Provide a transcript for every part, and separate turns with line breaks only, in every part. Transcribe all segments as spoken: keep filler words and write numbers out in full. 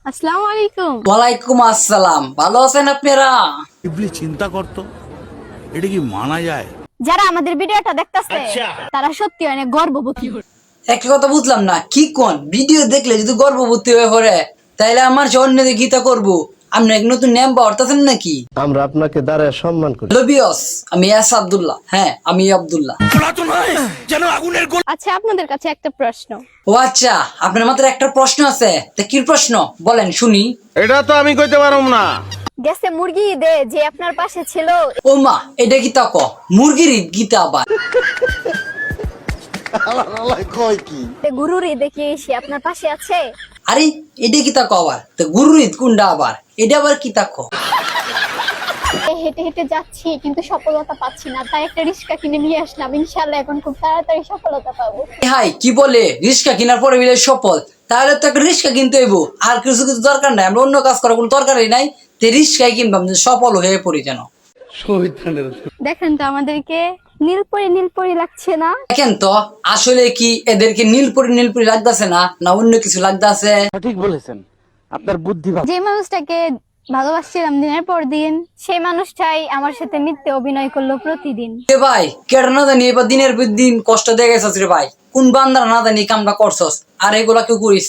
আসসালামু আলাইকুম।
ওয়ালাইকুম আসসালাম। ভালো আছেন আপনারা?
ইবলি চিন্তা করতো এটা কি মানা যায়?
যারা আমাদের ভিডিওটা দেখতাছে তারা সত্যি অনেক গর্ববোধ।
একটা কথা বুঝলাম না, কি কোন ভিডিও দেখলে যদি গর্ভবতী হয়ে পড়ে তাইলে আমার সে অন্যদের গীতা করবো। আপনি এক নতুন নেম পাওয়ারতেছেন নাকি?
আমরা আপনাকে দাঁড়ায় সম্মান করি।
লবিয়স, আমি এস আব্দুল্লাহ। হ্যাঁ, আমি আব্দুল্লাহ।
যেন আগুনের গোল।
আচ্ছা, আপনাদের কাছে একটা প্রশ্ন।
ও আচ্ছা, আপনার মাত্র একটা প্রশ্ন আছে? তা কি প্রশ্ন বলেন শুনি।
এটা তো আমি কইতে পারুম না।
গেছে মুরগি দে যে আপনার পাশে ছিল,
ও মা, এটা কি তা ক মুরগির ঈদ গীতা আবার?
তে গুরুর ঈদে কি সে আপনার পাশে আছে?
আরে এটা কি তা ক আবার? তা গুরুর ঈদ কোনটা আবার? এটা আবার কি তা ক?
এ হেঁটে হেঁটে যাচ্ছি কিন্তু সফলতা পাচ্ছি না, তাই একটা রিক্সা কিনে নিয়ে আসলাম। ইনশাআল্লাহ এখন খুব তাড়াতাড়ি সফলতা পাবো।
হাই, কি বলে রিক্সা কেনার পরে মিলে সফল? তাহলে তো একটা রিক্সা কিনতে হইব, আর কিছু কিছু দরকার নাই। আমরা অন্য কাজ করার কোনো দরকারই নাই। তে রিক্সাই কিনবাম যে সফল হয়ে পড়ি যেন।
দেখেন তো আমাদেরকে নীলপরি নীলপরি লাগছে না?
দেখেন তো আসলে কি এদেরকে নীলপরি নীলপরি লাগতেছে না, না অন্য কিছু লাগতেছে?
ঠিক বলেছেন, আপনার বুদ্ধি ভালো।
যে মানুষটাকে ভালোবাসছিলাম দিনের পর দিন, সেই মানুষটাই আমার সাথে মিথ্যে অভিনয় করলো প্রতিদিন।
এ ভাই, কেটে না জানি এবার দিনের পর দিন কষ্ট দিয়ে গেছস রে ভাই। কোন বান্দার না জানি কামটা করছস, আর এগুলা কেউ করিস?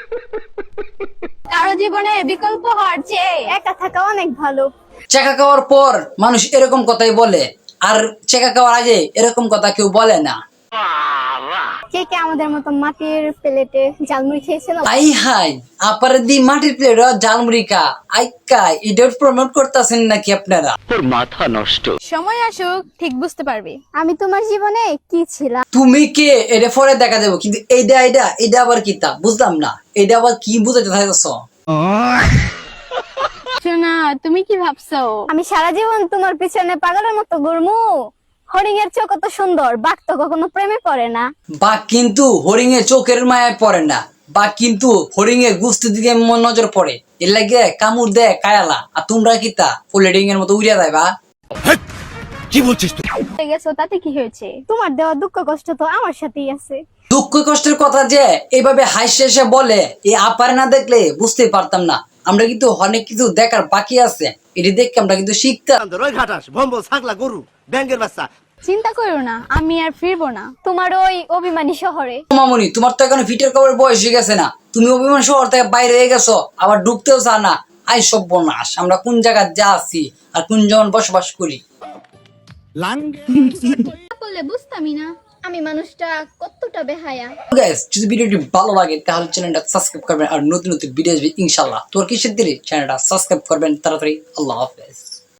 কারো জীবনে বিকল্প হওয়ার চেয়ে একা থাকা অনেক ভালো।
চেকা খাওয়ার পর মানুষ এরকম কথাই বলে, আর চেকা খাওয়ার আগে এরকম কথা কেউ বলে না।
কে কে আমাদের মতো মাটির প্লেটে ঝালমুড়ি খেয়েছিল?
আই হাই, আপারে দি মাটির প্লেট জালমুড়িকা আইকা এটার প্রমোট করতেছেন নাকি আপনারা?
সময় আসুক ঠিক বুঝতে পারবি আমি তোমার জীবনে কি ছিলাম।
তুমি কে এটা পরে দেখা যাবো, কিন্তু এইটা এইটা এটা আবার কি তা বুঝলাম না। এটা আবার কি বুঝাতে চাইছ?
শোনা, তুমি কি ভাবছো আমি সারা জীবন তোমার পিছনে পাগলের মতো ঘুরমু? হরিং এর চোখ কত সুন্দর, বাঘ তো কখনো প্রেমে পড়ে না।
বা কিন্তু হরিং এ চোখের মায়ায় পড়ে না, বা কিন্তু হরিং এ গুস্তি দিকে মন নজর পড়ে। এর লাগে কামড় দেয় কায়ালা, আর তোমরা কি তা ফোল্ডিং এর মতো উড়িয়া দেয় বা?
কি বলছিস তুই?
হয়ে গেছো তাতে কি হয়েছে? তোমার দেওয়া দুঃখ কষ্ট তো আমার সাথেই আছে।
দুঃখ কষ্টের কথা যে এইভাবে হাসি এসে বলে, এই আপারে না দেখলে বুঝতেই পারতাম না। আমরা কিন্তু অনেক কিছু দেখার বাকি আছে, এটি দেখে আমরা কিন্তু শিখতাম।
চিন্তা করো না, আমি আর ফিরবো না তোমার ওই অভিমানী শহরে।
মামুনি, তোমার তো এখন ফিটের কবর বয়স হয়ে গেছে না? তুমি অভিমান শহর থেকে বাইরে হয়ে গেছো, আবার ঢুকতেও চা না। আই সর্বনাশ, আমরা কোন জায়গায় যা আছি আর কোন জন বসবাস করি।
বললে বুঝতামই না আমি মানুষটা কতটা বেহায়া।
গাইস, যদি ভিডিওটি ভালো লাগে তাহলে চ্যানেলটা সাবস্ক্রাইব করবেন, আর নতুন নতুন ভিডিও আসবে ইনশাআল্লাহ। তোর কিসের দিলে চ্যানেলটা সাবস্ক্রাইব করবেন তাড়াতাড়ি। আল্লাহ হাফেজ।